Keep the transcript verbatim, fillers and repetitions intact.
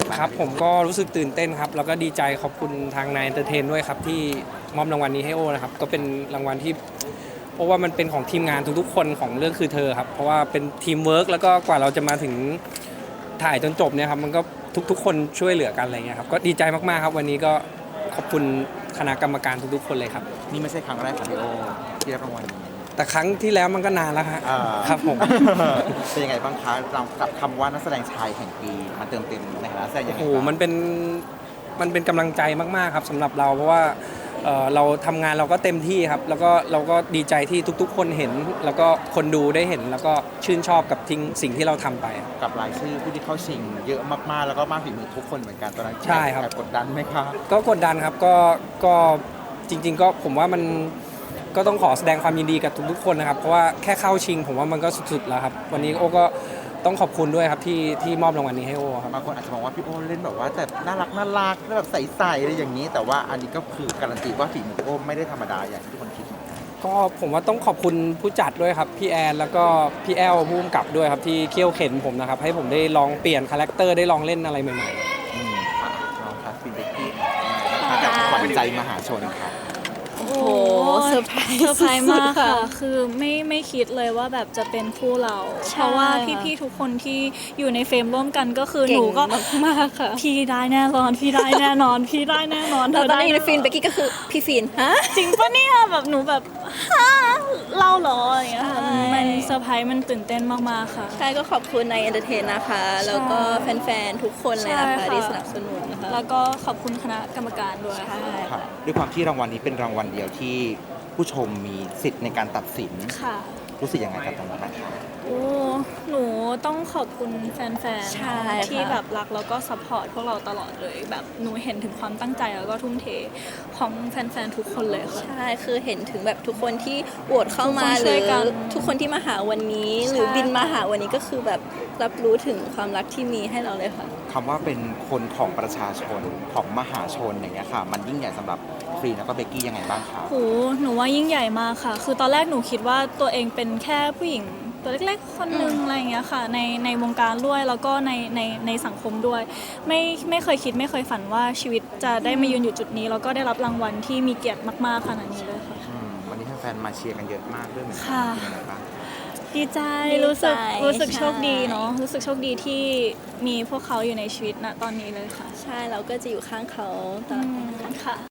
บ้างครับผมก็รู้สึกตื่นเต้นครับแล้วก็ดีใจขอบคุณทางนายเอนเตอร์เทนด้วยครับที่มอบรางวัลนี้ให้โอนะครับก็เป็นรางวัลที่เพราะว่ามันเป็นของทีมงานทุกๆคนของเรื่องคือเธอครับเพราะว่าเป็นทีมเวิร์กแล้วก็กว่าเราจะมาถึงถ่ายจนจบเนี่ยครับมันก็ทุกๆคนช่วยเหลือกันอะไรเงี้ยครับก็ดีใจมากๆครับวันนี้ก็ขอบคุณคณะกรรมการทุกๆคนเลยครับนี่ไม่ใช่ครั้งแรกของพี่โอที่ได้รางวัลนี้แต่ครั้งที่แล้วมันก็นานแล้วฮะอ่าครับผมเป็นยังไงบ้างคะเรากับคำว่านักแสดงชายแห่งปีมาเติมเต็มในฐานะนักแสดงยังไงโอ้โหบ้างมันเป็นมันเป็นกำลังใจมากๆครับสำหรับเราเพราะว่าเอ่อเราทำงานเราก็เต็มที่ครับแล้วก็เราก็ดีใจที่ทุกๆ คนเห็น แล้วก็คนดูได้เห็นแล้วก็ชื่นชอบกับทิ้งสิ่งที่เราทำไปกับรายชื่อผู้ที่เข้าชิงเยอะมากๆแล้วก็มากฝีมือทุกคนเหมือนกันตอนนั้นใช่ครับแอบกดดันไหมคะก็กดดันครับก็ก็จริงๆก็ผมว่ามันก็ต้องขอแสดงความยินดีกับทุกๆคนนะครับเพราะว่าแค่เข้าชิงผมว่ามันก็สุดๆแล้วครับวันนี้โอ้ก็ต้องขอบคุณด้วยครับที่ที่มอบรางวัลนี้ให้โอ้ครับบางคนอาจจะมองว่าพี่โอเล่นแบบว่าแต่น่ารักน่ารักแบบใสๆอะไรอย่างนี้ แต่ว่าอันนี้ก็คือการันตีว่าฝีมือพี่โอไม่ได้ธรรมดาอย่างที่ทุกคนคิดก็ผมว่าต้องขอบคุณผู้จัดด้วยครับพี่แอนแล้วก็พี่แอลผู้กำกับด้วยครับที่เคี่ยวเข็นผมนะครับให้ผมได้ลองเปลี่ยนคาแรคเตอร์ได้ลองเล่นอะไรใหม่ๆอืมค่ะน้องครับฟินเบกกี้นะคะกับขวัญใจมหาชนครับโอ้โหเซอร์ไพรส์เซอร์ไพรส์มากค่ะสุดคือไม่ไม่คิดเลยว่าแบบจะเป็นคู่เราใช่เพราะว่าค่ะพี่ๆทุกคนที่อยู่ในเฟรมร่วมกันก็คือเก่หงนูก็มากๆค่ะพี่ได้แน่นอน พี่ได้แน่นอน พี่ได้แน่นอนแล้วตอนนี้อยู่ในเธฟินได้เบกกี้ก็คือพี่ฟินฮะจริงปะเนี่ยแบบหนูแบบฮะเล่าเหรออะไรอย่างเงี้ยค่ะใช่มันเซอร์ไพรส์มันตื่นเต้นมากๆค่ะใช่ก็ขอบคุณในเอนเตอร์เทนนะคะ แล้วก็แฟนๆ ทุกคนเลยนะใช่คะค่ะที่สนับสนุนนะคะแล้วก็ขอบคุณคณะกรรมการด้วยค่ะครับด้วยความที่รางวัลนี้เป็นรางวัลเดียวที่ผู้ชมมีสิทธิ์ในการตัดสินค่ะรู้สึกยังไงกับตรงนั้นบ้างครับโอ้หนูต้องขอบคุณแฟนใช่ๆค่ะที่แบบรักแล้วก็ซัพพอร์ตพวกเราตลอดเลย แบบหนูเห็นถึงความตั้งใจแล้วก็ทุ่มเทของแฟนๆ ทุกคนเลยค่ะใช่คือเห็นถึงแบบทุกคนที่โหวตเข้ามาทุกคนหช่รืวยอกันทุกคนที่มาหาวันนี้ใช่หรือบินมาหาวันนี้ก็คือแบบรับรู้ถึงความรักที่มีให้เราเลยค่ะคำว่าเป็นคนของประชาชนของมหาชนอย่างเงี้ยค่ะ มันยิ่งใหญ่สำหรับฟรีแล้วก็เบกกี้ยังไงบ้างคะโหหนูว่ายิ่งใหญ่มากค่ะ คือตอนแรกหนูคิดว่าตัวเองเป็นแค่ผู้หญิงตัวเล็กๆ คนหนึ่งอะไรอย่างเงี้ยค่ะ ในในวงการด้วยแล้วก็ในในในสังคมด้วย ไม่ไม่เคยคิดไม่เคยฝันว่าชีวิตจะได้มายืนอยู่จุดนี้ แล้วก็ได้รับรางวัลที่มีเกียรติมากๆขนาดนี้เลยค่ะอืมวันนี้แฟนๆมาเชียร์กันเยอะมากด้วยเหมือนกัค่ะเป็นยังไงบ้างดีใจดีใจรู้สึกรู้สึกใช่โชคดีเนาะรู้สึกโชคดีที่มีพวกเขาอยู่ในชีวิตณตอนนี้เลยค่ะใช่เราก็จะอยู่ข้างเขาตลอดไปนะคะค่ะ